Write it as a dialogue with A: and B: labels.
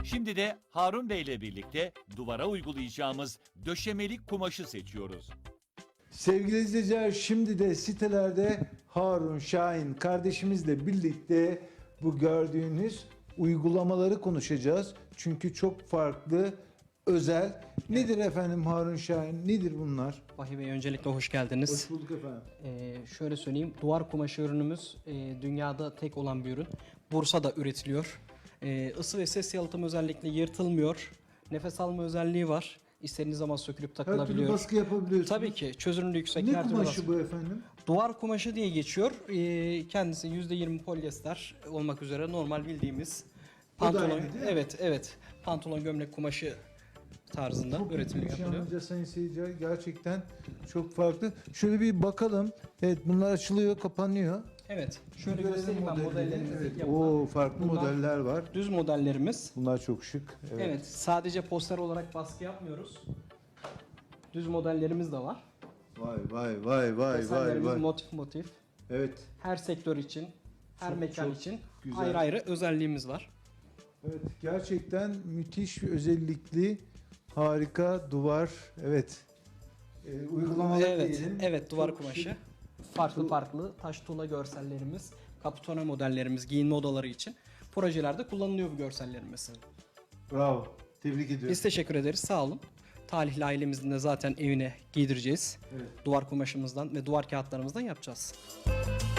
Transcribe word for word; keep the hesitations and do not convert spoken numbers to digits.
A: Şimdi de Harun Bey ile birlikte duvara uygulayacağımız döşemelik kumaşı seçiyoruz.
B: Sevgili izleyiciler, şimdi de sitelerde Harun Şahin kardeşimizle birlikte bu gördüğünüz uygulamaları konuşacağız. Çünkü çok farklı, özel. Nedir efendim Harun Şahin? Nedir bunlar?
C: Vahiy Bey, öncelikle hoş geldiniz.
B: Hoş bulduk efendim.
C: Ee, şöyle söyleyeyim, duvar kumaşı ürünümüz e, dünyada tek olan bir ürün. Bursa'da üretiliyor. E, ısı ve ses yalıtım özellikle yırtılmıyor. Nefes alma özelliği var. İstediğiniz zaman sökülüp
B: Her türlü
C: takılabiliyor.
B: baskı yapabiliyorsunuz.
C: Tabii ki çözünürlüğü yüksek.
B: Ne
C: her türlü
B: kumaşı
C: baskı.
B: bu efendim?
C: Duvar kumaşı diye geçiyor. E, kendisi yüzde yirmi polyester olmak üzere normal bildiğimiz
B: Bu da
C: pantolon.
B: aynı değil mi?
C: Evet, evet. Pantolon gömlek kumaşı tarzında
B: Çok
C: üretimi
B: ilginç
C: yapılıyor.
B: yalnızca sayın seyirciler. Gerçekten çok farklı. Şöyle bir bakalım. Evet, bunlar açılıyor, kapanıyor.
C: Evet. Şöyle
B: Görelim
C: göstereyim ben
B: modelleri.
C: modellerimizi.
B: Evet.
C: yapılan.
B: Oo, farklı
C: Bunlar
B: modeller var.
C: Düz modellerimiz.
B: Bunlar çok şık. Evet.
C: Evet. Sadece poster olarak baskı yapmıyoruz. Düz modellerimiz de var.
B: Vay vay vay vay vay
C: Desenlerimiz
B: vay.
C: motif motif.
B: Evet.
C: Her sektör için, her
B: Çok,
C: mekan
B: çok
C: için
B: güzel.
C: ayrı ayrı özelliğimiz var.
B: Evet, gerçekten müthiş özellikli, harika duvar. Evet. Ee, uygulamalar
C: Evet,
B: diyelim.
C: evet duvar
B: Çok
C: kumaşı.
B: şık.
C: Farklı
B: Tu-
C: farklı taş tuğla görsellerimiz, kaputone modellerimiz, giyinme odaları için projelerde kullanılıyor bu görsellerimiz.
B: Bravo. Tebrik ediyorum.
C: Biz teşekkür ederiz, sağ olun. Talihli ailemizin de zaten evine giydireceğiz.
B: Evet.
C: Duvar kumaşımızdan ve duvar kağıtlarımızdan yapacağız.